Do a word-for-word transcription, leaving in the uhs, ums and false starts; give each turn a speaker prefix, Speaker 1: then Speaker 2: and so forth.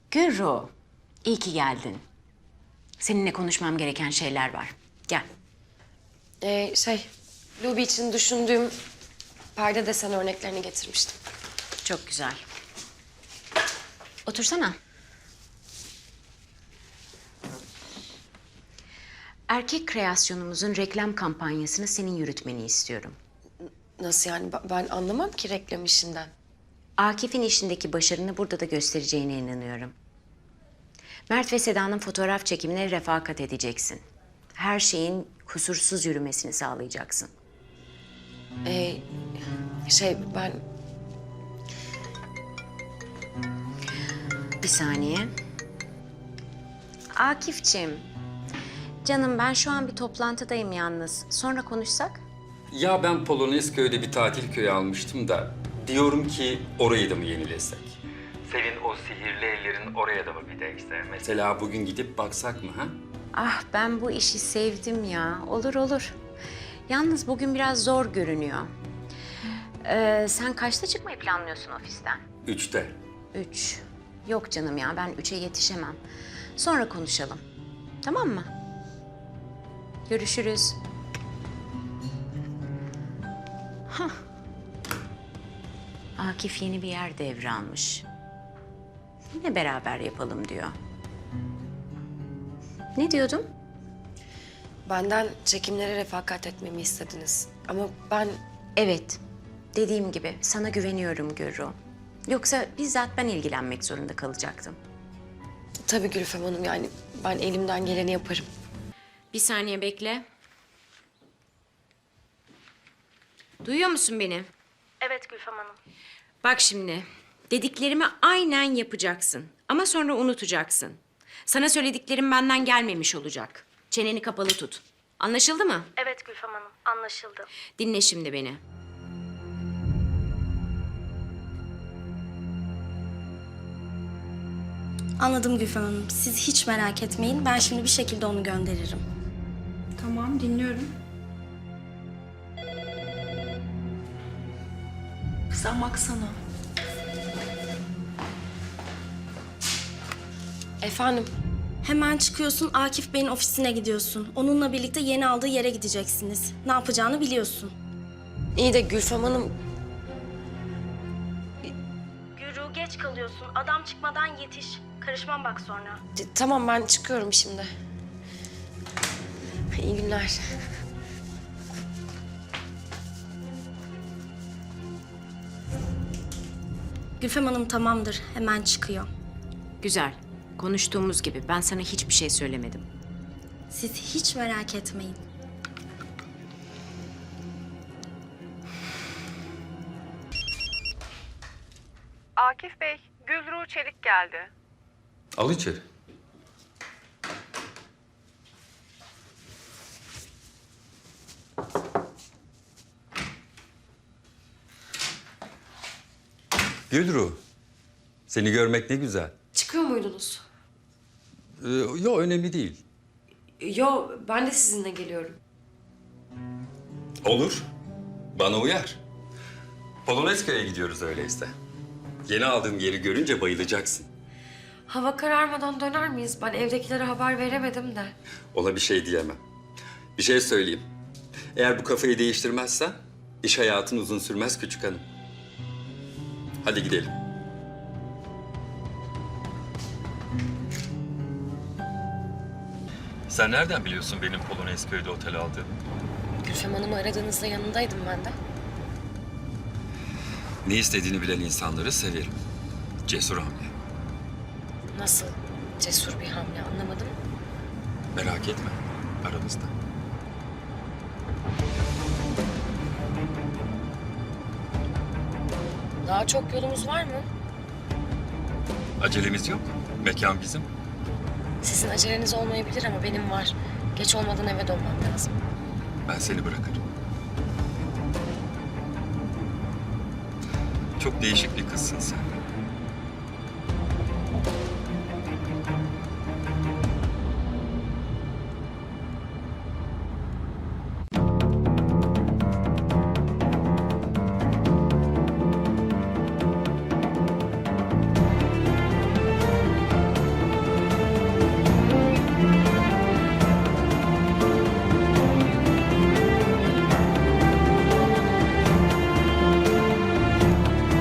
Speaker 1: Gürru, iyi ki geldin. Seninle konuşmam gereken şeyler var. Gel.
Speaker 2: Ee, şey, Luby için düşündüğüm perde desen örneklerini getirmiştim.
Speaker 1: Çok güzel. Otursana. Erkek kreasyonumuzun reklam kampanyasını senin yürütmeni istiyorum.
Speaker 2: Nasıl yani? Ba- Ben anlamam ki reklam işinden.
Speaker 1: Akif'in işindeki başarını burada da göstereceğine inanıyorum. Mert ve Seda'nın fotoğraf çekimine refakat edeceksin. Her şeyin kusursuz yürümesini sağlayacaksın.
Speaker 2: Ee, şey, ben...
Speaker 1: Bir saniye. Akif'ciğim, canım ben şu an bir toplantıdayım yalnız. Sonra konuşsak?
Speaker 3: Ya ben Polonezköy'de bir tatil köyü almıştım da diyorum ki orayı da mı yenilesek? Senin o sihirli ellerin oraya da mı bir değse? Mesela bugün gidip baksak mı ha?
Speaker 1: Ah ben bu işi sevdim ya. Olur olur. Yalnız bugün biraz zor görünüyor. Ee, sen kaçta çıkmayı planlıyorsun ofisten?
Speaker 3: Üçte.
Speaker 1: Üç. Yok canım ya ben üçe yetişemem. Sonra konuşalım. Tamam mı? Görüşürüz. Hah. Akif yeni bir yer devralmış. Yine beraber yapalım diyor. Ne diyordum?
Speaker 2: Benden çekimlere refakat etmemi istediniz. Ama ben...
Speaker 1: Evet. Dediğim gibi sana güveniyorum Gürru. Yoksa bizzat ben ilgilenmek zorunda kalacaktım.
Speaker 2: Tabii Gülfem Hanım, yani ben elimden geleni yaparım.
Speaker 1: Bir saniye bekle. Duyuyor musun beni?
Speaker 4: Evet Gülfem Hanım.
Speaker 1: Bak şimdi, dediklerimi aynen yapacaksın. Ama sonra unutacaksın. Sana söylediklerim benden gelmemiş olacak. Çeneni kapalı tut. Anlaşıldı mı?
Speaker 4: Evet Gülfem Hanım, anlaşıldı.
Speaker 1: Dinle şimdi beni.
Speaker 5: Anladım Gülfem Hanım. Siz hiç merak etmeyin. Ben şimdi bir şekilde onu gönderirim.
Speaker 6: Tamam, dinliyorum. Sen baksana.
Speaker 2: Efendim?
Speaker 5: Hemen çıkıyorsun, Akif Bey'in ofisine gidiyorsun. Onunla birlikte yeni aldığı yere gideceksiniz. Ne yapacağını biliyorsun.
Speaker 2: İyi de Gülfem Hanım...
Speaker 5: Gürü geç kalıyorsun. Adam çıkmadan yetiş. Karışmam bak sonra.
Speaker 2: t- Tamam, ben çıkıyorum şimdi. İyi günler.
Speaker 5: Gülfem Hanım tamamdır. Hemen çıkıyor.
Speaker 1: Güzel. Konuştuğumuz gibi ben sana hiçbir şey söylemedim.
Speaker 5: Siz hiç merak etmeyin.
Speaker 7: Akif Bey, Gülru Çelik geldi.
Speaker 3: Al içeri. Gülru, seni görmek ne güzel.
Speaker 2: Çıkıyor muydunuz?
Speaker 3: Ee, yok önemli değil.
Speaker 2: Yo, ben de sizinle geliyorum.
Speaker 3: Olur. Bana uyar. Polonezköy'e gidiyoruz öyleyse. Yeni aldığım yeri görünce bayılacaksın.
Speaker 2: Hava kararmadan döner miyiz? Ben evdekilere haber veremedim de.
Speaker 3: Ona bir şey diyemem. Bir şey söyleyeyim. Eğer bu kafayı değiştirmezsen iş hayatın uzun sürmez küçük hanım. Hadi gidelim. Sen nereden biliyorsun benim Polonezköy'de otel aldığımı?
Speaker 2: Gülfem Hanım'ı aradığınızda yanındaydım ben de.
Speaker 3: Ne istediğini bilen insanları severim. Cesur hamle.
Speaker 2: Nasıl cesur bir hamle, anlamadım.
Speaker 3: Merak etme. Aramızda.
Speaker 2: Daha çok yolumuz var mı?
Speaker 3: Acelemiz yok. Mekan bizim.
Speaker 2: Sizin aceleniz olmayabilir ama benim var. Geç olmadan eve dönmem lazım.
Speaker 3: Ben seni bırakırım. Çok değişik bir kızsın sen.